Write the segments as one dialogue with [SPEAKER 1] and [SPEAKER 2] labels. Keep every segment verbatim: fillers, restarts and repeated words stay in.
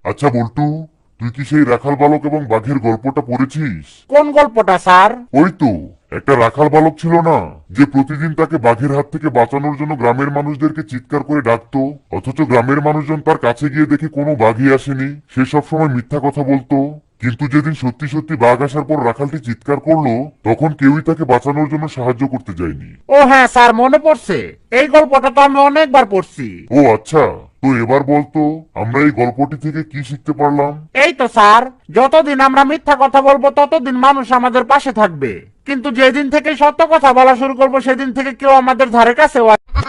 [SPEAKER 1] আচ্ছা বল্টু, তুই কি সেই রাখাল বালক এবং বাঘের গল্পটা পড়েছিস?
[SPEAKER 2] কোন গল্পটা স্যার?
[SPEAKER 1] ওই তো, একটা রাখাল বালক ছিল না, যে প্রতিদিন তাকে বাঘের হাত থেকে বাঁচানোর জন্য গ্রামের মানুষদেরকে চিৎকার করে ডাকতো, অথচ গ্রামের মানুষজন তার কাছে গিয়ে দেখে কোনো বাঘই আসেনি। সে সবসময় মিথ্যা কথা বলতো। কিন্তু যেদিন সত্যি সত্যি বাঘ আসার পর রাখালটি চিৎকার করলো, তখন কেউই তাকে বাঁচানোর জন্য সাহায্য করতে যায়নি।
[SPEAKER 2] ও হ্যাঁ স্যার, মনে পড়ছে। এই গল্পটা তো আমি অনেকবার পড়ছি।
[SPEAKER 1] ও আচ্ছা, তো এবার বলতো আমরা এই গল্পটি থেকে কি শিখতে পারলাম?
[SPEAKER 2] এই তো স্যার, যতদিন আমরা মিথ্যা কথা বলবো ততদিন মানুষ আমাদের পাশে থাকবে, কিন্তু যেদিন থেকে সত্য কথা বলা শুরু করবো সেদিন থেকে কেউ আমাদের ধারে কাছে।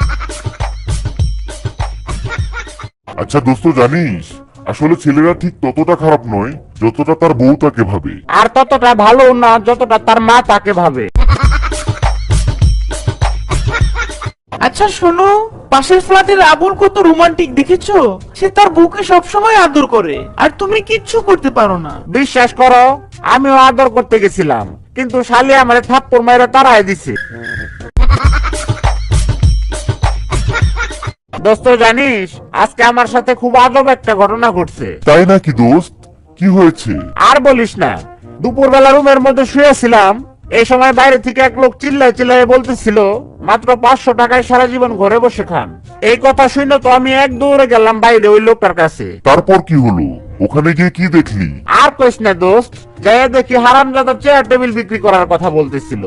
[SPEAKER 1] আচ্ছা দোস্ত, জানিস আসলে ছেলেরা ঠিক ততটা খারাপ নয় যতটা তার বউ তাকে ভাবে।
[SPEAKER 2] আর ততটা ভালো না যতটা তার মা তাকে ভাবে।
[SPEAKER 3] আচ্ছা শোনো, পাশের ফ্ল্যাটের আবুল কত রোমান্টিক দেখেছো? সে তার বউকে সবসময় আদর করে, আর তুমি কিচ্ছু করতে পারো না।
[SPEAKER 2] বিশ্বাস করো, আমিও আদর করতে গেছিলাম, কিন্তু শালি আমার থাপ্পড় মাইরা তাড়াই দিছে। দোস্ত জানিস, আজকে আমার সাথে খুব আজব একটা ঘটনা ঘটছে।
[SPEAKER 1] তাই নাকি দোস্ত? কি হয়েছে?
[SPEAKER 2] আর বলিস না, দুপুর বেলা রুমের মধ্যে শুয়েছিলাম, এই সময় বাইরে থেকে এক লোক চিল্লায় চিল্লায় বলতেছিল মাত্র পাঁচশো টাকায় সারা জীবন ঘরে বসে খান। এই কথা শুনে তো আমি এক দৌড়ে গেলাম বাইরে ওই লোকটার কাছে।
[SPEAKER 1] তারপর কি হলো? ওখানে গিয়ে কি দেখলি?
[SPEAKER 2] আর কইস না দোস্ত, যাই দেখি হারামজাদা চেয়ার টেবিল বিক্রি করার কথা বলতেছিল।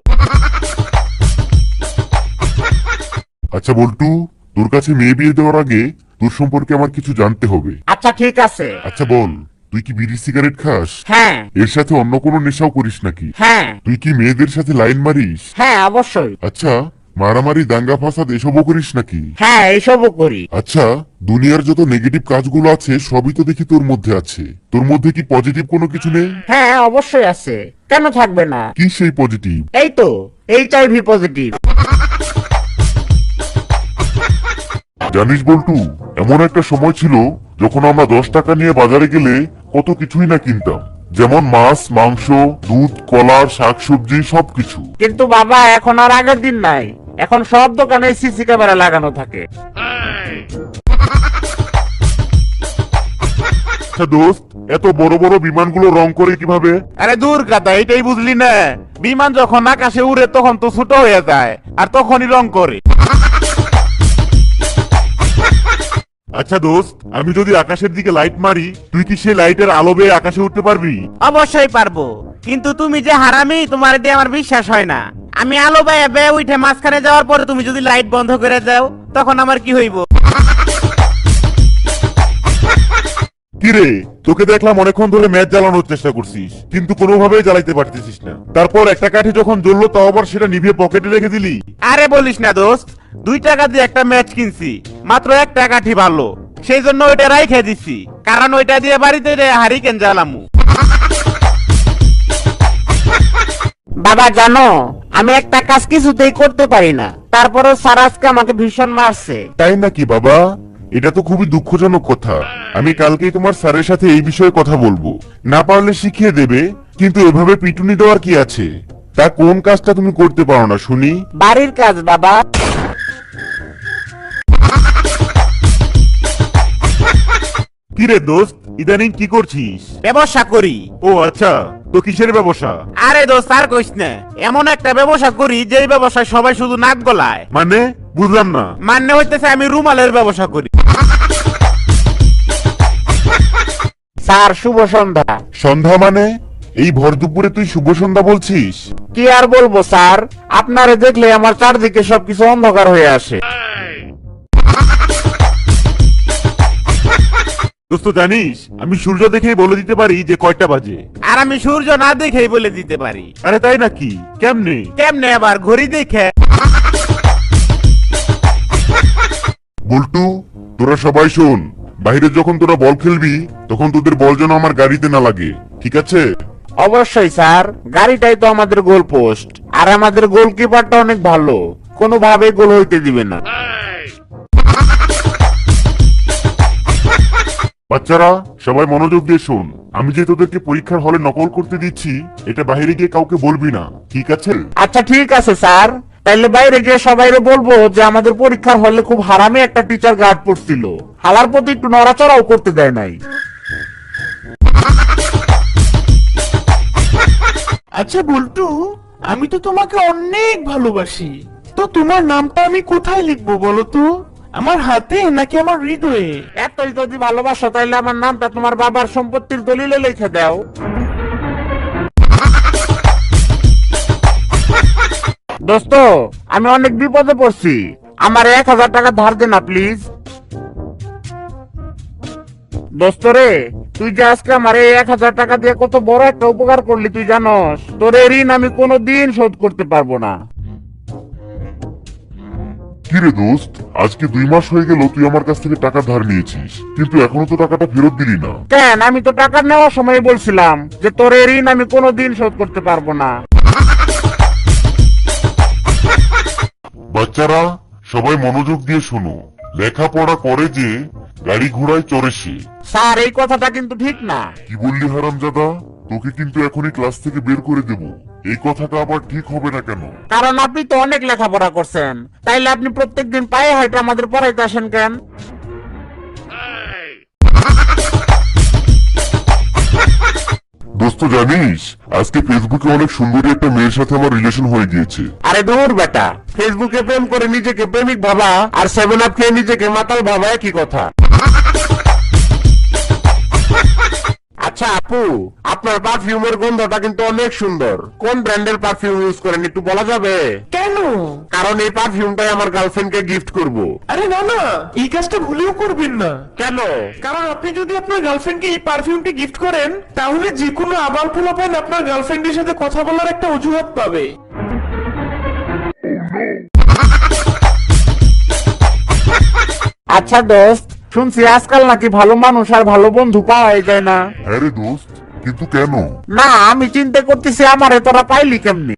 [SPEAKER 1] আচ্ছা বল্টু, তোর কাছে মেয়ে বিয়ে দেওয়ার আগে তোর সম্পর্কে আমার কিছু জানতে হবে।
[SPEAKER 2] আচ্ছা ঠিক আছে।
[SPEAKER 1] আচ্ছা বল, তুই কি বিড়ি সিগারেট খাস?
[SPEAKER 2] হ্যাঁ
[SPEAKER 1] এর সাথে অন্য কোনো নেশাও করিস নাকি?
[SPEAKER 2] হ্যাঁ
[SPEAKER 1] তুই কি মেয়েদের সাথে লাইন মারিস?
[SPEAKER 2] হ্যাঁ অবশ্যই।
[SPEAKER 1] আচ্ছা, মারামারি দাঙ্গা ফাসাদ এসবও করিস নাকি?
[SPEAKER 2] হ্যাঁ এইসবও করি।
[SPEAKER 1] আচ্ছা, দুনিয়ার যত নেগেটিভ কাজগুলো আছে সবই তো দেখি তোর মধ্যে আছে। তোর মধ্যে কি পজিটিভ কোনো কিছু নেই?
[SPEAKER 2] হ্যাঁ অবশ্যই আছে, কেন থাকবে না?
[SPEAKER 1] কি সেই পজিটিভ?
[SPEAKER 2] এই তো এইচ আই ভি পজিটিভ।
[SPEAKER 1] জানিস বল্টু, এমন একটা সময় ছিল যখন আমরা দশ টাকা নিয়ে বাজারে গেলে কত কিছুই না কিনতাম, যেমন মাছ, মাংস, দুধ, কলা, শাকসবজি সবকিছু।
[SPEAKER 2] কিন্তু বাবা, এখন আর আগের দিন নাই, এখন সব দোকানে সিসি ক্যামেরা লাগানো থাকে।
[SPEAKER 1] আচ্ছা দোস্ত, এত বড় বড় বিমানগুলো রং করে কিভাবে?
[SPEAKER 2] আরে দূর কথা, এটাই বুঝলি না? বিমান যখন আকাশে উড়ে তখন তো ছোট হয়ে যায়, আর তখনই রং করে।
[SPEAKER 1] আচ্ছা দোস্ত, আমি যদি আকাশের দিকে লাইট মারি, তুই কি সেই লাইটের আলো বেয়ে আকাশে উঠতে পারবি?
[SPEAKER 3] অবশ্যই পারবো, কিন্তু তুমি যে হারামি, তোমার দিয়ে আমার বিশ্বাস হয় না। আমি আলো বেয়ে বেয়ে উঠে মাঝখানে যাওয়ার পরে তুমি যদি লাইট বন্ধ করে দাও, তখন আমার কি হইব?
[SPEAKER 1] কিরে, তোকে দেখলাম অনেকক্ষণ ধরে ম্যাচ জ্বালানোর চেষ্টা করছিস, কিন্তু কোনোভাবেই জ্বালাইতে পারতেছিস না। তারপর একটা কাঠি যখন জ্বললো তাও আবার সেটা নিভিয়ে পকেটে রেখে দিলি।
[SPEAKER 2] আরে বলিস না দোস্ত, দুই টাকা দিয়ে একটা ম্যাচ কিনছি, মাত্র এক টাকাটি ভালো, সেই জন্য ওইটা রাইখে দিছি, কারণ ওইটা দিয়ে বাড়িতে হারিকেন জ্বালামু। বাবা জানো, আমি একটা কাজ কিছুতেই করতে পারি না, তারপরে স্যার আজকে আমাকে ভীষণ মারছে।
[SPEAKER 1] তাই নাকি বাবা? এটা তো খুবই দুঃখজনক কথা। আমি কালকেই তোমার স্যারের সাথে এই বিষয়ে কথা বলবো, না পারলে শিখিয়ে দেবে। কিন্তু এভাবে পিটুনি দেওয়ার কি আছে? তা কোন কাজটা তুমি করতে পারো না শুনি?
[SPEAKER 2] বাড়ির কাজ বাবা।
[SPEAKER 1] কিরে দোস্ত, ইদানিং কি করছিস?
[SPEAKER 2] ব্যবসা করি।
[SPEAKER 1] ও আচ্ছা, তো কিসের ব্যবসা?
[SPEAKER 2] আরে দোস্ত আর কইস না, এমন একটা ব্যবসা করি যেই ব্যবসায় সবাই শুধু নাক গলায়।
[SPEAKER 1] মানে বুঝলাম না।
[SPEAKER 2] মানে হইতেছে আমি রুমালের ব্যবসা করি। স্যার শুভ সন্ধ্যা।
[SPEAKER 1] সন্ধ্যা মানে? এই ভর দুপুরে তুই শুভ সন্ধ্যা বলছিস?
[SPEAKER 2] কি আর বলবো স্যার, আপনারে দেখলে আমার চারদিকে সবকিছু অন্ধকার হয়ে আসে।
[SPEAKER 1] দোস্ত জানিস, আমি সূর্য দেখেই বলে দিতে পারি যে কয়টা বাজে।
[SPEAKER 2] আর আমি সূর্য না দেখেই বলে দিতে পারি।
[SPEAKER 1] আরে তাই নাকি? কেমনে?
[SPEAKER 2] কেমনে আবার? ঘড়ি দেখে।
[SPEAKER 1] বল্টু, তোরা সবাই শোন, বাইরে যখন তোরা বল খেলবি তখন তোদের বল যেন আমার গাড়িতে না লাগে, ঠিক আছে?
[SPEAKER 2] অবশ্যই স্যার, গাড়িটাই তো আমাদের গোল পোস্ট, আর আমাদের গোলকিপারটা অনেক ভালো, কোনোভাবে গোল হইতে দিবে না।
[SPEAKER 1] বাচ্চারা সবাই মনোযোগ দিয়ে শোন, আমি যে তোদেরকে পরীক্ষার হলে নকল করতে দিচ্ছি এটা বাইরে গিয়ে কাউকে বলবি না, ঠিক আছে?
[SPEAKER 2] আচ্ছা ঠিক আছে স্যার, তাইলে বাইরে গিয়ে সবাইরে বলবো যে আমাদের পরীক্ষার হলে খুব হারামি একটা টিচার গার্ড পড়ছিল, হালার প্রতি একটু নড়াচড়াও করতে দেয় নাই।
[SPEAKER 4] আচ্ছা বল্টু, আমি তো তোমাকে অনেক ভালোবাসি, তো তোমার নামটা আমি কোথায় লিখবো বলো তো? আমার হাতে নাকি আমার হৃদয়ে?
[SPEAKER 2] এতই যদি ভালোবাসো তাইলে আমার নামটা তোমার বাবার সম্পত্তির দলিলে লিখে দাও। দোস্ত, আমি অনেক বিপদে পড়ছি, আমার এক হাজার টাকা ধার দে না প্লিজ। দোস্ত রে, তুই যে আজকে আমার এই এক হাজার টাকা দিয়ে কত বড় একটা উপকার করলি তুই জানোস? তোর এই ঋণ আমি কোনোদিন শোধ করতে পারবো না।
[SPEAKER 1] কিরে দোস্ত, আজকে দুই মাস হয়ে গেল তুই আমার কাছ থেকে টাকা ধার নিয়েছিস, কিন্তু এখনো তো টাকাটা ফেরত দিলি না।
[SPEAKER 2] কেন? আমি তো টাকা নেওয়ার সময় বলছিলাম যে তোর এই ঋণ আমি কোনোদিন শোধ করতে পারবো না।
[SPEAKER 1] বাচ্চারা সবাই মনোযোগ দিয়ে শোনো, লেখাপড়া করে যে গাড়ি ঘোড়ায় চড়ে সে।
[SPEAKER 2] স্যার, এই কথাটা কিন্তু ঠিক না।
[SPEAKER 1] কি বললি হারামজাদা? তোকে কিন্তু এখনই ক্লাস থেকে বের করে দেব। এই কথাটা আবার ঠিক হবে না কেন?
[SPEAKER 2] কারণ আপনি তো অনেক লেখাপড়া করছেন, তাইলে আপনি প্রত্যেকদিন পায়ে হাইটে আমাদের পড়াইতে আসেন কেন?
[SPEAKER 1] দোস্ত জানিস, আজকে ফেসবুকে অনেক সুন্দরী একটা মেয়ের সাথে আমার রিলেশন হয়ে গিয়েছে।
[SPEAKER 2] আরে দূর বেটা, ফেসবুকে প্রেম করে নিজেকে প্রেমিক ভাবা আর সেভেন আপ খেয়ে নিজেকে মাতাল ভাবা একই কথা। আচ্ছা আপু, আপনার পারফিউমের গন্ধটা কিন্তু অনেক সুন্দর। কোন ব্র্যান্ডের পারফিউম ইউজ করেন একটু বলা যাবে?
[SPEAKER 4] কেন?
[SPEAKER 2] কারণ এই পারফিউমটাই আমার গার্লফ্রেন্ডকে গিফট করব।
[SPEAKER 4] আরে না না, এই কাজটা ভুলেও করবেন না।
[SPEAKER 2] কেন?
[SPEAKER 4] কারণ আপনি যদি আপনার গার্লফ্রেন্ডকে এই পারফিউমটি গিফট করেন, তাহলে যে কোনো আবাল পোলাপান আপনার গার্লফ্রেন্ডের সাথে কথা বলার একটা অজুহাত পাবে।
[SPEAKER 2] আচ্ছা দোস্ত, শুনছি আজকাল নাকি ভালো মানুষ আর ভালো বন্ধু পাওয়াই যায় না।
[SPEAKER 1] হ্যাঁ রে দোস্ত, কিন্তু কেন?
[SPEAKER 2] না, আমি চিন্তা করতেছি আমারে তোরা পাইলি কেমনি।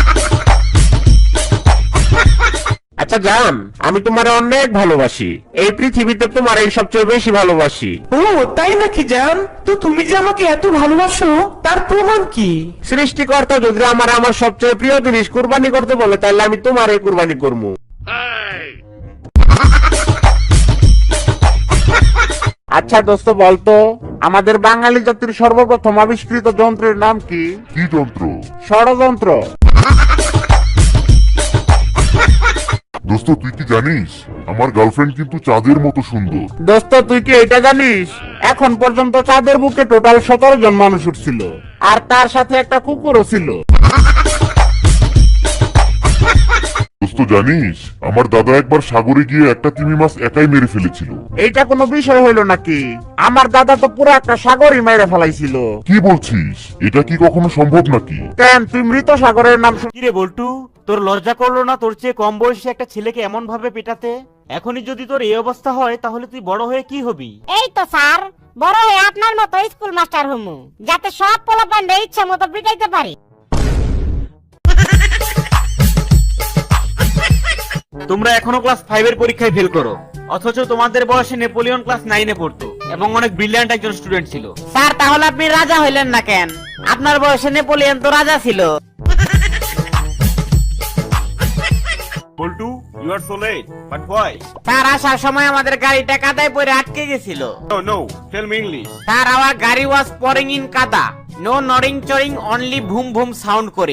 [SPEAKER 2] আচ্ছা জান, আমি তোমারে অনেক ভালোবাসি, এই পৃথিবীতে তোমার এই সবচেয়ে বেশি ভালোবাসি।
[SPEAKER 4] ও তাই নাকি জান? তো তুমি যে আমাকে এত ভালোবাসো তার প্রমাণ কি?
[SPEAKER 2] সৃষ্টিকর্তা যদি আমার আমার সবচেয়ে প্রিয় জিনিস কুরবানি করতে বলে, তাহলে আমি তোমারে কুরবানি করবো। আচ্ছা দোস্ত বলতো, আমাদের বাঙালি জাতির সর্বপ্রথম আবিষ্কৃত যন্ত্রের নাম কি?
[SPEAKER 1] কি যন্ত্র?
[SPEAKER 2] ষড়যন্ত্র।
[SPEAKER 1] দোস্ত তুই কি জানিস, আমার গার্লফ্রেন্ড কিন্তু চাঁদের মতো সুন্দর।
[SPEAKER 2] দোস্ত তুই কি এটা জানিস, এখন পর্যন্ত চাঁদের বুকে টোটাল সতেরো জন মানুষ উঠছিল, আর তার সাথে একটা কুকুরও ছিল।
[SPEAKER 1] দোস্ত জানিস, আমার দাদা একবার সাগরে গিয়ে একটা তিমি মাছ একাই মেরে ফেলেছিল।
[SPEAKER 2] এইটা কোনো বিষয় হইল নাকি? আমার দাদা তো পুরো একটা সাগরই মেরে ফেলাইছিল।
[SPEAKER 1] কি বলছিস? এটা কি কখনো সম্ভব নাকি?
[SPEAKER 2] কেন, তুই মৃত সাগরের নাম শুন-
[SPEAKER 3] কিরে বল্টু, তোর লজ্জা করলো না তোর চেয়ে কম বয়সী একটা ছেলেকে এমন ভাবে পেটাতে? এখনই যদি তোর এই অবস্থা হয় তাহলে তুই বড় হয়ে কি হবি?
[SPEAKER 5] এই তো স্যার, বড় হয়ে আপনার মতো স্কুল মাস্টার হমু, যাতে সব পোলাপানরা ইচ্ছা মতো পিটাইতে পারি।
[SPEAKER 3] তোমরা এখনো ক্লাস ফাইভ এর পরীক্ষায় ফেল করো, অথচ তোমাদের বয়সে নেপোলিয়ন ক্লাস নাইনে পড়তো এবং অনেক ব্রিলিয়ান্ট একজন স্টুডেন্ট ছিল।
[SPEAKER 5] স্যার, তাহলে আপনি রাজা হইলেন না কেন? আপনার বয়সে নেপোলিয়ন তো রাজা ছিল।
[SPEAKER 3] Boltu, you are so late, but why?
[SPEAKER 5] Sir, আসার সময় আমাদের গাড়িটা কাদায় পড়ে আটকে গেছিল।
[SPEAKER 3] No no, tell me English.
[SPEAKER 5] Sir, our গাড়ি ওয়াজ পোরিং ইন কাদা, নো নরিং চরিং, অনলি ভুম ভুম সাউন্ড করে।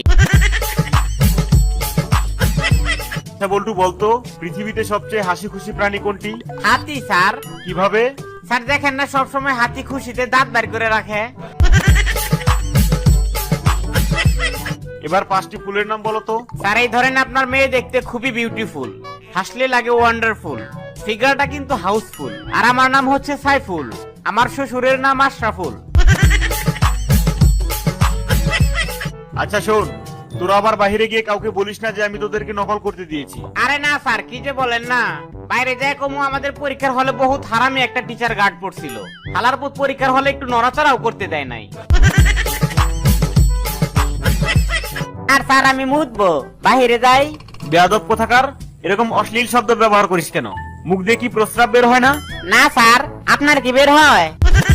[SPEAKER 3] আচ্ছা বল্টু বলতো, পৃথিবীতে সবচেয়ে হাসি খুশি প্রাণী কোনটি?
[SPEAKER 5] হাতি স্যার।
[SPEAKER 3] কিভাবে?
[SPEAKER 5] স্যার দেখেন না, সবসময় হাতি খুশিতে দাঁত বের করে রাখে।
[SPEAKER 3] এবার পাঁচটি ফুলের নাম বলো তো।
[SPEAKER 5] স্যার, এই ধরেন আপনার মেয়ে দেখতে খুবই বিউটিফুল, হাসলে লাগে ওয়ান্ডারফুল, ফিগারটা কিন্তু হাউসফুল। আর আমার নাম হচ্ছে সাইফুল, আমার শ্বশুরের নাম আশরাফুল।
[SPEAKER 3] আচ্ছা শোন, তোরা আবার বাইরে গিয়ে কাউকে বলিস না যে আমি তোদেরকে নকল করতে দিয়েছি।
[SPEAKER 5] আরে না স্যার, কি যে বলেন না, বাইরে যায় কমু আমাদের পরীক্ষার হলে বহুত হারামি একটা টিচার গার্ড পড়ছিল, হালার পুত পরীক্ষার হলে একটু নড়াচড়াও করতে দেয় নাই। আর স্যার আমি মুতবো, বাইরে যাই।
[SPEAKER 3] বেয়াদব কোথাকার, এরকম অশ্লীল শব্দ ব্যবহার করিস কেন? মুখ দিয়ে কি প্রস্রাব বের হয় না?
[SPEAKER 5] না স্যার, আপনার কি বের হয়?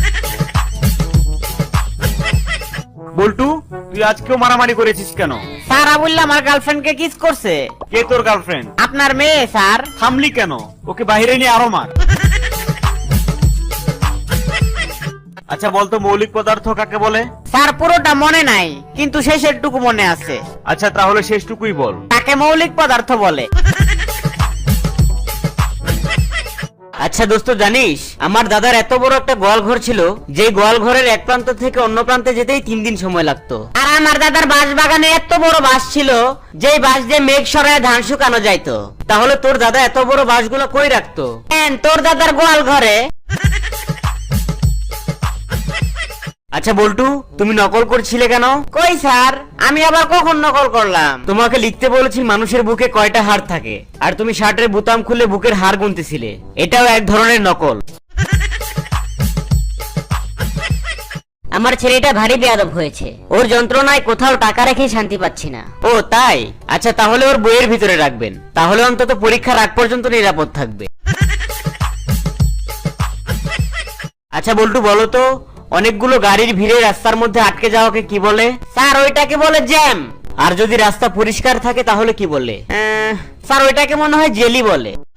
[SPEAKER 3] বল্টু, তুই আজকেও মারামারি করেছিস কেন?
[SPEAKER 5] স্যার, আবুল্লা আমার গার্লফ্রেন্ডকে কিস করছে।
[SPEAKER 3] কে তোর গার্লফ্রেন্ড?
[SPEAKER 5] আপনার মেয়ে স্যার।
[SPEAKER 3] থামলি কেন? ওকে বাইরে নিয়ে আরো মার।
[SPEAKER 6] আচ্ছা বলতো মৌলিক পদার্থ কাকে বলে?
[SPEAKER 5] স্যার পুরোটা মনে নাই, কিন্তু শেষের টুকু মনে আছে।
[SPEAKER 6] আচ্ছা তাহলে শেষটুকুই বল।
[SPEAKER 5] তাকে মৌলিক পদার্থ বলে।
[SPEAKER 7] আচ্ছা দোস্ত, জানিস আমার দাদার এত বড় একটা গোয়াল ঘর ছিল, যে গোয়াল ঘরের এক প্রান্ত থেকে অন্য প্রান্তে যেতেই তিন দিন সময় লাগতো।
[SPEAKER 5] আর আমার দাদার বাঁশ বাগানে এত বড় বাঁশ ছিল, যেই বাঁশ দিয়ে মেঘ সরায় ধান শুকানো যাইতো।
[SPEAKER 7] তাহলে তোর দাদা এত বড় বাঁশগুলো কই রাখতো?
[SPEAKER 5] কেন, তোর দাদার গোয়াল ঘরে।
[SPEAKER 7] আচ্ছা বল্টু, তুমি নকল করছিলে কেন?
[SPEAKER 5] কই স্যার, আমি আবার কখন নকল করলাম?
[SPEAKER 7] তোমাকে লিখতে বলেছি মানুষের বুকে কয়টা হাড় থাকে, আর তুমি শার্টের বোতাম খুলে বুকের হাড় গুনতেছিলে। এটাও এক ধরনের নকল।
[SPEAKER 8] আমার ছেলেটা ভারী বেয়াদব হয়েছে, ওর যন্ত্রণায় কোথাও টাকা রেখে শান্তি পাচ্ছি না।
[SPEAKER 7] ও তাই? আচ্ছা তাহলে ওর বইয়ের ভিতরে রাখবেন, তাহলে অন্তত পরীক্ষার আগ পর্যন্ত নিরাপদ থাকবে। আচ্ছা বল্টু, বলো তো অনেকগুলো গাড়ির ভিড়ে রাস্তার মধ্যে আটকে যাওয়াকে কি বলে?
[SPEAKER 5] স্যার ওইটাকে বলে জ্যাম।
[SPEAKER 7] আর যদি রাস্তা পরিষ্কার থাকে তাহলে কি বলে?
[SPEAKER 5] স্যার ওইটাকে মনে হয় জেলি বলে।